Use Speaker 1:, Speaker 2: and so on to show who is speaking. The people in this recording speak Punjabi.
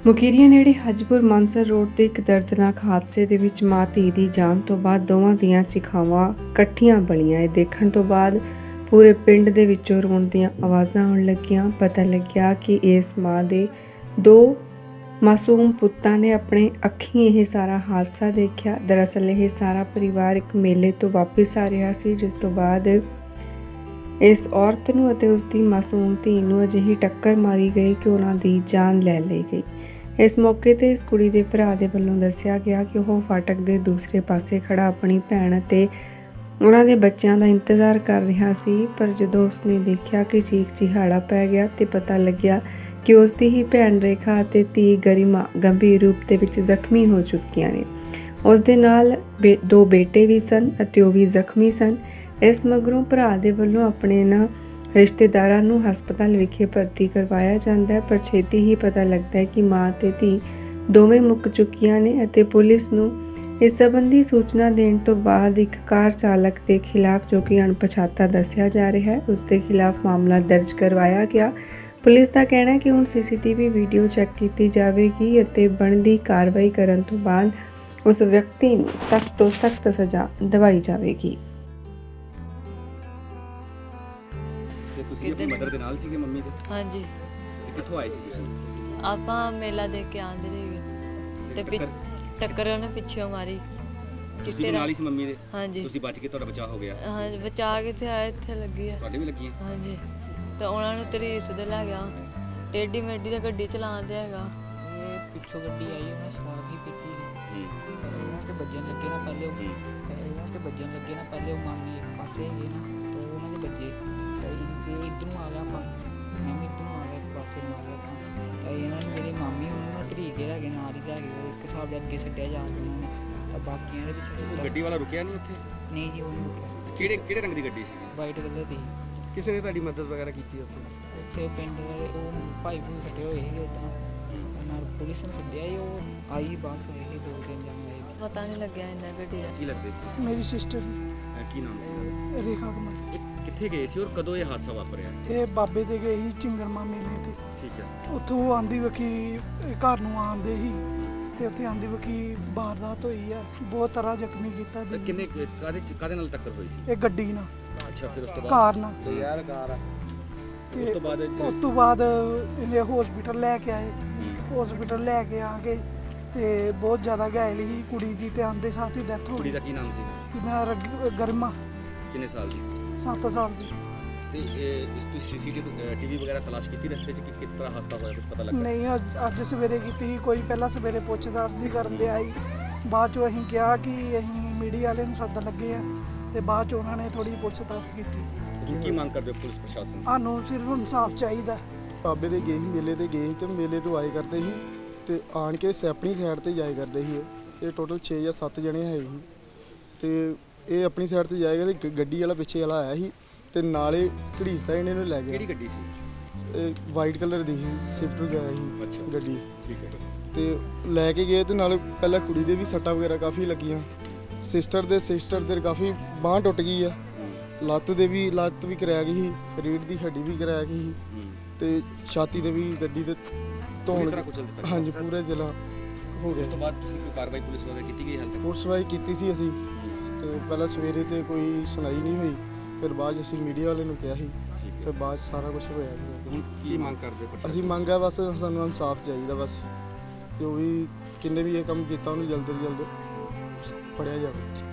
Speaker 1: ਮੁਕੇਰੀਆਂ ਨੇੜੇ ਹਜਪੁਰ ਮਾਨਸਰ ਰੋਡ ਤੇ ਇੱਕ ਦਰਦਨਾਕ ਹਾਦਸੇ ਦੇ ਵਿੱਚ ਮਾਂ ਧੀ ਦੀ ਜਾਨ ਤੋਂ ਬਾਅਦ ਦੋਵਾਂ ਦੀਆਂ ਚਿਖਾਵਾਂ ਇਕੱਠੀਆਂ ਬਣੀਆਂ। ਇਹ ਦੇਖਣ ਤੋਂ ਬਾਅਦ ਪੂਰੇ ਪਿੰਡ ਦੇ ਵਿੱਚੋਂ ਰੋਣ ਦੀਆਂ ਆਵਾਜ਼ਾਂ ਆਉਣ ਲੱਗੀਆਂ। ਪਤਾ ਲੱਗਿਆ ਕਿ ਇਸ ਮਾਂ ਦੇ ਦੋ ਮਾਸੂਮ ਪੁੱਤਾਂ ਨੇ ਆਪਣੇ ਅੱਖੀਂ ਇਹ ਸਾਰਾ ਹਾਦਸਾ ਦੇਖਿਆ। ਦਰਅਸਲ ਇਹ ਸਾਰਾ ਪਰਿਵਾਰ ਇੱਕ ਮੇਲੇ ਤੋਂ ਵਾਪਸ ਆ ਰਿਹਾ ਸੀ, ਜਿਸ ਤੋਂ ਬਾਅਦ ਇਸ ਔਰਤ ਨੂੰ ਅਤੇ ਉਸ ਦੀ ਮਾਸੂਮ ਧੀ ਨੂੰ ਅਜਿਹੀ ਟੱਕਰ ਮਾਰੀ ਗਈ ਕਿ ਉਹਨਾਂ ਦੀ ਜਾਨ ਲੈ ਲਈ ਗਈ। ਇਸ ਮੌਕੇ ਤੇ ਇਸ ਕੁੜੀ ਦੇ ਭਰਾ ਦੇ ਵੱਲੋਂ ਦੱਸਿਆ ਗਿਆ ਕਿ ਉਹ ਫਾਟਕ ਦੇ ਦੂਸਰੇ ਪਾਸੇ ਖੜਾ ਆਪਣੀ ਭੈਣ ਅਤੇ ਉਹਨਾਂ ਦੇ ਬੱਚਿਆਂ ਦਾ ਇੰਤਜ਼ਾਰ ਕਰ ਰਿਹਾ ਸੀ, ਪਰ ਜਦੋਂ ਉਸਨੇ ਦੇਖਿਆ ਕਿ ਚੀਖ ਚਿਹਾੜਾ ਪੈ ਗਿਆ ਤੇ ਪਤਾ ਲੱਗਿਆ ਕਿ ਉਸ ਦੀ ਹੀ ਭੈਣ ਰੇਖਾ ਅਤੇ ਧੀ ਗਰਿਮਾ ਗੰਭੀਰ ਰੂਪ ਦੇ ਵਿੱਚ ਜ਼ਖਮੀ ਹੋ ਚੁੱਕੀਆਂ ਨੇ। ਉਸ ਦੇ ਨਾਲ ਦੋ ਬੇਟੇ ਵੀ ਸਨ ਅਤੇ ਉਹ ਵੀ ਜ਼ਖਮੀ ਸਨ। ਇਸ ਮਗਰੋਂ ਭਰਾ ਦੇ ਵੱਲੋਂ ਆਪਣੇ ਇਹਨਾਂ ਰਿਸ਼ਤੇਦਾਰਾਂ ਨੂੰ ਹਸਪਤਾਲ ਵਿਖੇ ਭਰਤੀ ਕਰਵਾਇਆ ਜਾਂਦਾ ਹੈ, ਪਰ ਛੇਤੀ ਹੀ ਪਤਾ ਲੱਗਦਾ ਹੈ ਕਿ ਮਾਂ ਤੇ ਧੀ ਦੋਵੇਂ ਮੁੱਕ ਚੁੱਕੀਆਂ ਨੇ ਅਤੇ ਪੁਲਿਸ ਨੂੰ ਇਸ ਸੰਬੰਧੀ ਸੂਚਨਾ ਦੇਣ ਤੋਂ ਬਾਅਦ ਇੱਕ ਕਾਰ ਚਾਲਕ ਦੇ ਖਿਲਾਫ, ਜੋ ਕਿ ਅਣਪਛਾਤਾ ਦੱਸਿਆ ਜਾ ਰਿਹਾ ਹੈ, ਉਸ ਦੇ ਖਿਲਾਫ ਮਾਮਲਾ ਦਰਜ ਕਰਵਾਇਆ ਗਿਆ। ਪੁਲਿਸ ਦਾ ਕਹਿਣਾ ਹੈ ਕਿ ਹੁਣ ਸੀਸੀਟੀਵੀ ਵੀਡੀਓ ਚੈੱਕ ਕੀਤੀ ਜਾਵੇਗੀ ਅਤੇ ਬਣਦੀ ਕਾਰਵਾਈ ਕਰਨ ਤੋਂ ਬਾਅਦ ਉਸ ਵਿਅਕਤੀ ਨੂੰ ਸਖਤ ਤੋਂ ਸਖਤ ਸਜ਼ਾ ਦਿਵਾਈ ਜਾਵੇਗੀ।
Speaker 2: ਤੁਸੀਂ ਆਪਣੀ ਮਦਰ ਦੇ ਨਾਲ ਸੀਗੇ, ਮੰਮੀ ਦੇ?
Speaker 3: ਹਾਂਜੀ।
Speaker 2: ਤੇ ਕਿੱਥੋਂ ਆਏ ਸੀ ਤੁਸੀਂ?
Speaker 3: ਆਪਾਂ ਮੇਲਾ ਦੇਖ ਕੇ ਆਂਦੇ ਰਹੇ ਤੇ ਟੱਕਰ ਉਹਨੇ ਪਿੱਛੋਂ ਮਾਰੀ।
Speaker 2: ਤੁਸੀਂ ਵੀ ਨਾਲ ਹੀ ਸੀ ਮੰਮੀ ਦੇ?
Speaker 3: ਹਾਂਜੀ।
Speaker 2: ਤੁਸੀਂ ਬਚ ਕੇ, ਤੁਹਾਡਾ ਬਚਾਅ ਹੋ ਗਿਆ?
Speaker 3: ਹਾਂ, ਬਚਾ ਕੇ ਤੇ ਆਏ, ਇੱਥੇ ਲੱਗੀ ਆ।
Speaker 2: ਤੁਹਾਡੇ ਵੀ ਲੱਗੀ ਹੈ?
Speaker 3: ਹਾਂਜੀ। ਤੇ ਉਹਨਾਂ ਨੂੰ ਤਰੀਸ ਦੇ ਲੈ ਗਿਆ, ਟੇਢੀ ਮੇਢੀ ਤੇ ਗੱਡੀ ਚਲਾਉਂਦੇ ਹੈਗਾ।
Speaker 4: ਇਹ ਪਿੱਛੋਂ ਗੱਡੀ ਆਈ, ਉਹਨੇ ਸ਼ਰਾਬ ਹੀ ਪੀਤੀ ਸੀ। ਉਹਨਾਂ 'ਚ ਵੱਜਣ ਲੱਗੇ ਨਾ ਪਹਿਲੇ ਉਹ ਮਾਮੀ ਇੱਕ ਪਾਸੇ ਹੈਗੇ ਨਾ, ਤੇ ਉਹਨਾਂ ਦੇ ਬੱਜੇ ਇੱਧਰ ਨੂੰ ਆ ਗਿਆ, ਆਪਾਂ ਮੈਂ ਵੀ ਇੱਧਰ ਨੂੰ ਆ ਗਿਆ, ਇੱਕ ਪਾਸੇ ਨੂੰ ਆ ਗਿਆ ਆਪਾਂ। ਤਾਂ ਇਹਨਾਂ ਨੇ ਮੇਰੇ ਮਾਮੀ ਉਹਨੂੰ ਧਰੀ ਕੇ ਲੈ ਗਏ, ਨਾਲ ਹੀ ਲੈ ਗਏ, ਇੱਕ ਹਿਸਾਬ ਦੇ ਅੱਗੇ ਛੱਡਿਆ ਜਾ ਕੇ ਉਹਨਾਂ ਨੇ। ਤਾਂ ਬਾਕੀਆਂ ਦੇ ਵਿੱਚ
Speaker 2: ਗੱਡੀ ਵਾਲਾ ਰੁਕਿਆ ਨਹੀਂ ਉੱਥੇ?
Speaker 4: ਨਹੀਂ ਜੀ, ਉਹ ਨਹੀਂ ਰੁਕਿਆ।
Speaker 2: ਕਿਹੜੇ ਰੰਗ ਦੀ ਗੱਡੀ ਸੀ?
Speaker 4: ਵਾਈਟ ਕਲਰ ਦੀ।
Speaker 2: ਕਿਸੇ ਨੇ ਤੁਹਾਡੀ ਮਦਦ ਵਗੈਰਾ ਕੀਤੀ
Speaker 4: ਉੱਥੇ ਪਿੰਡ ਵਾਲੇ ਉਹ ਭਾਈ ਭੂਈ ਫੱਟੇ ਹੋਏ ਸੀਗੇ, ਉੱਦਾਂ ਨਾਲ ਪੁਲਿਸ ਨੇ ਸੱਦਿਆ ਸੀ, ਉਹ ਆਈ ਬਾਅਦ ਹੋਏ ਸੀ, 2-3 ਜਣੇ ਆਏ।
Speaker 3: ਪਤਾ ਨਹੀਂ ਲੱਗਿਆ ਇੰਨਾ ਗੱਡੀ ਦਾ।
Speaker 2: ਕੀ ਲੱਗਦੇ ਸੀ?
Speaker 5: ਮੇਰੀ ਸਿਸਟਰ
Speaker 2: ਕੀ ਨਾਮ ਸੀ?
Speaker 5: ਰੇਖਾ ਕੁਮਾਰ।
Speaker 2: ਕਿੱਥੇ ਗਏ ਸੀ ਔਰ ਕਦੋਂ ਇਹ ਹਾਦਸਾ ਵਾਪਰਿਆ?
Speaker 5: ਇਹ ਬਾਬੇ ਦੇ ਗਏ ਸੀ ਚਿੰਗੜਮਾ ਮੇਲੇ ਤੇ।
Speaker 2: ਠੀਕ ਹੈ।
Speaker 5: ਉੱਥੋਂ ਆਂਦੀ ਵਕੀ ਘਰ ਨੂੰ ਆਉਂਦੇ ਸੀ ਤੇ ਉੱਥੇ ਆਂਦੀ ਵਕੀ ਵਾਰਦਾਤ ਹੋਈ ਹੈ, ਬਹੁਤ ਤਰ੍ਹਾਂ ਜ਼ਖਮੀ ਕੀਤਾ।
Speaker 2: ਕਿੰਨੇ ਕਾਹਦੇ ਨਾਲ ਟੱਕਰ ਹੋਈ ਸੀ?
Speaker 5: ਇਹ ਗੱਡੀ ਨਾਲ।
Speaker 2: ਅੱਛਾ, ਫਿਰ ਉਸ ਤੋਂ ਬਾਅਦ
Speaker 5: ਕਾਰ ਨਾਲ।
Speaker 2: ਤੇ ਯਾਰ ਕਾਰ
Speaker 5: ਤੇ
Speaker 2: ਉਸ
Speaker 5: ਤੋਂ ਬਾਅਦ ਇਹਨੇ ਹਸਪੀਟਲ ਲੈ ਕੇ ਆਏ। ਹਸਪੀਟਲ ਲੈ ਕੇ ਆ ਕੇ ਤੇ ਬਹੁਤ ਜ਼ਿਆਦਾ ਘਾਇਲ ਸੀ ਕੁੜੀ ਦੀ, ਤੇ ਆਂਦੇ ਸਾਥ ਹੀ ਡੈਥ ਹੋ
Speaker 2: ਕੁੜੀ
Speaker 5: ਗਈ।
Speaker 2: ਦਾ ਕੀ ਨਾਮ ਸੀ?
Speaker 5: ਇਹਦਾ ਗਰਮਾ।
Speaker 2: ਕਿੰਨੇ ਸਾਲ ਦੀ?
Speaker 5: 7 ਸਾਲ ਦੀ।
Speaker 2: ਤੇ ਇਸ ਤੁਸੀਂ ਸੀਸੀਟੀਵੀ ਵਗੈਰਾ ਤਲਾਸ਼ ਕੀਤੀ ਰਸਤੇ 'ਚ ਕਿ ਕਿਸ ਤਰ੍ਹਾਂ ਹਾਦਸਾ ਹੋਇਆ, ਕੁਝ ਪਤਾ ਲੱਗਾ?
Speaker 5: ਨਹੀਂ, ਅੱਜ ਸਵੇਰੇ ਕੀਤੀ ਸੀ ਕੋਈ, ਪਹਿਲਾਂ ਸਵੇਰੇ ਪੁੱਛਦਾਸ ਨਹੀਂ ਕਰਨ ਦੇ ਆਈ। ਬਾਅਦ 'ਚੋਂ ਅਸੀਂ ਕਿਹਾ ਕਿ ਅਸੀਂ ਮੀਡੀਆ ਵਾਲੇ ਨੂੰ ਸੱਦਣ ਲੱਗੇ ਆ, ਤੇ ਬਾਅਦ 'ਚ ਉਹਨਾਂ ਨੇ ਥੋੜੀ ਪੁੱਛਤਾਛ ਕੀਤੀ।
Speaker 2: ਤੁਸੀਂ ਕੀ ਮੰਗ ਕਰਦੇ ਹੋ ਪੁਲਿਸ ਪ੍ਰਸ਼ਾਸਨ?
Speaker 5: ਸਾਨੂੰ ਸਿਰਫ ਇਨਸਾਫ ਚਾਹੀਦਾ।
Speaker 6: ਬਾਬੇ ਦੇ ਗਏ ਸੀ, ਮੇਲੇ ਤੇ ਗਏ ਸੀ, ਤੇ ਮੇਲੇ ਤੋਂ ਆਏ ਕਰਦੇ ਸੀ ਤੇ ਆਣ ਕੇ ਆਪਣੀ ਸਾਈਡ ਤੇ ਜਾਏ ਕਰਦੇ ਸੀ। ਇਹ ਟੋਟਲ 6 ਜਾਂ 7 ਜਣੇ ਹੈ ਸੀ, ਤੇ ਇਹ ਆਪਣੀ ਸਾਈਡ ਤੇ ਜਾਏ ਕਰਦੇ। ਗੱਡੀ ਵਾਲਾ ਪਿੱਛੇ ਵਾਲਾ ਆਇਆ ਸੀ ਤੇ ਨਾਲੇ ਘੜੀਸਦਾ ਇਹਨੇ ਨੂੰ ਲੈ ਗਿਆ।
Speaker 2: ਕਿਹੜੀ ਗੱਡੀ ਸੀ?
Speaker 6: ਇਹ ਵਾਈਟ ਕਲਰ ਦੀ ਸੀ, ਸਵਿਫਟ ਵਗੈਰਾ ਸੀ।
Speaker 2: ਅੱਛਾ,
Speaker 6: ਗੱਡੀ।
Speaker 2: ਠੀਕ ਹੈ।
Speaker 6: ਤੇ ਲੈ ਕੇ ਗਏ ਤੇ ਨਾਲ ਪਹਿਲਾਂ ਕੁੜੀ ਦੇ ਵੀ ਸੱਟਾਂ ਵਗੈਰਾ ਕਾਫੀ ਲੱਗੀਆਂ। ਸਿਸਟਰ ਦੇ ਕਾਫੀ ਬਾਂਹ ਟੁੱਟ ਗਈ ਆ, ਲੱਤ ਵੀ ਕਰਾਇਆ ਗਈ ਸੀ, ਰੀੜ੍ਹ ਦੀ ਹੱਡੀ ਵੀ ਕਰਾਇਆ ਗਈ ਸੀ, ਤੇ ਛਾਤੀ ਤੇ ਵੀ ਗੱਡੀ ਦੇ ਧੌਣ। ਹਾਂਜੀ, ਪੂਰਾ ਜ਼ਿਲ੍ਹਾ ਹੋ ਗਿਆ।
Speaker 2: ਉਸ ਤੋਂ ਬਾਅਦ ਤੁਸੀਂ ਕੋਈ ਕਾਰਵਾਈ ਪੁਲਿਸ ਵਗੈਰਾ ਕੀਤੀ ਗਈ ਹਾਲ ਤੱਕ?
Speaker 6: ਪੁਲਿਸ ਵਾਈ ਕੀਤੀ ਸੀ ਅਸੀਂ, ਤੇ ਪਹਿਲਾਂ ਸਵੇਰੇ ਤੇ ਕੋਈ ਸੁਣਾਈ ਨਹੀਂ ਹੋਈ, ਫਿਰ ਬਾਅਦ 'ਚ ਅਸੀਂ ਮੀਡੀਆ ਵਾਲੇ ਨੂੰ ਕਿਹਾ ਸੀ, ਫਿਰ ਬਾਅਦ 'ਚ ਸਾਰਾ ਕੁਝ ਹੋਇਆ ਜੀ।
Speaker 2: ਹੁਣ ਕੀ ਮੰਗ ਕਰਦੇ ਹੋ?
Speaker 6: ਅਸੀਂ ਮੰਗਿਆ ਬਸ ਸਾਨੂੰ ਇਨਸਾਫ ਚਾਹੀਦਾ, ਬਸ ਜੋ ਵੀ ਕਿੰਨੇ ਵੀ ਇਹ ਕੰਮ ਕੀਤਾ ਉਹਨੂੰ ਜਲਦ ਤੋਂ ਜਲਦ ਫੜਿਆ ਜਾਵੇ।